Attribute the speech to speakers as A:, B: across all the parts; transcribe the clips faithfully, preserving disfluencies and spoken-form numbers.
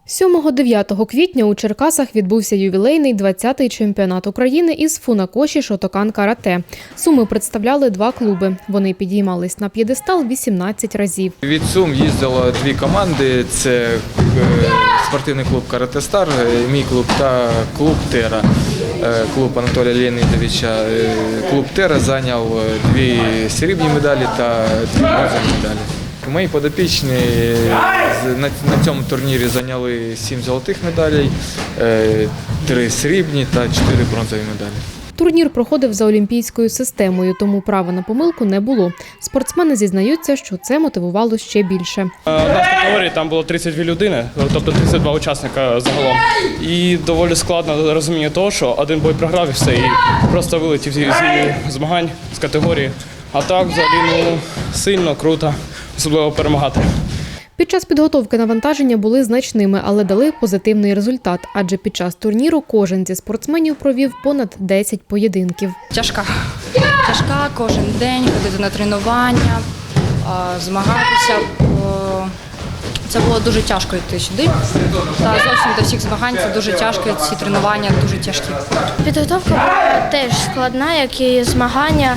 A: сьомого-дев'ятого квітня у Черкасах відбувся ювілейний двадцятий чемпіонат України із фунакоші Шотокан карате. Суми представляли два клуби. Вони підіймались на п'єдестал вісімнадцять разів.
B: Від Сум їздило дві команди – це спортивний клуб «Карате Стар», мій клуб та клуб «Тера». Клуб Анатолія Леонідовича. Клуб «Тера» зайняв дві срібні медалі та дві бронзові медалі. Мої подопічні на цьому турнірі зайняли сім золотих медалей, три срібні та чотири бронзові медалі.
A: Турнір проходив за олімпійською системою, тому права на помилку не було. Спортсмени зізнаються, що це мотивувало ще більше.
C: Одна з категорій там було тридцять дві людини, тобто тридцять два учасника загалом. І доволі складно розуміння того, що один бой програв і все, і просто вилетів зі змагань з категорії. А так взагалі ну, сильно, круто, особливо перемагати.
A: Під час підготовки навантаження були значними, але дали позитивний результат, адже під час турніру кожен зі спортсменів провів понад десять поєдинків.
D: Тяжка. Тяжка кожен день, ходити на тренування, змагатися. Це було дуже тяжко йти сюди. Та зовсім до всіх змагань це дуже тяжко, ці тренування дуже тяжкі.
E: Підготовка була теж складна, як і змагання.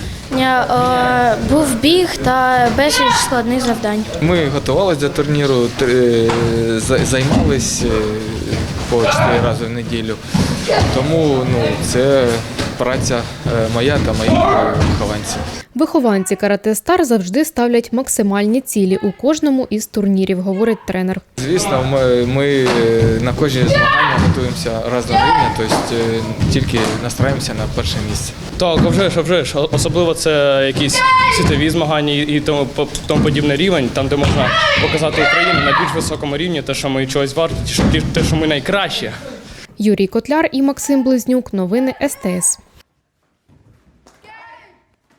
E: Був біг та безліч складних завдань.
B: Ми готувалися до турніру, займалися по чотири рази в неділю. Тому ну, це праця моя та моїх вихованців.
A: Вихованці «Карате Стар» завжди ставлять максимальні цілі у кожному із турнірів, говорить тренер.
B: Звісно, ми, ми на кожні змагання готуємося раз на рівня, тобто тільки настраємося на перше місце.
C: Так, а вже ж, а вже ж. Особливо це якісь світові змагання і тому, тому подібний рівень, там де можна показати Україну на більш високому рівні, те, що ми чогось варті, те, що ми найкращі.
A: Юрій Котляр і Максим Близнюк. Новини ес те ес.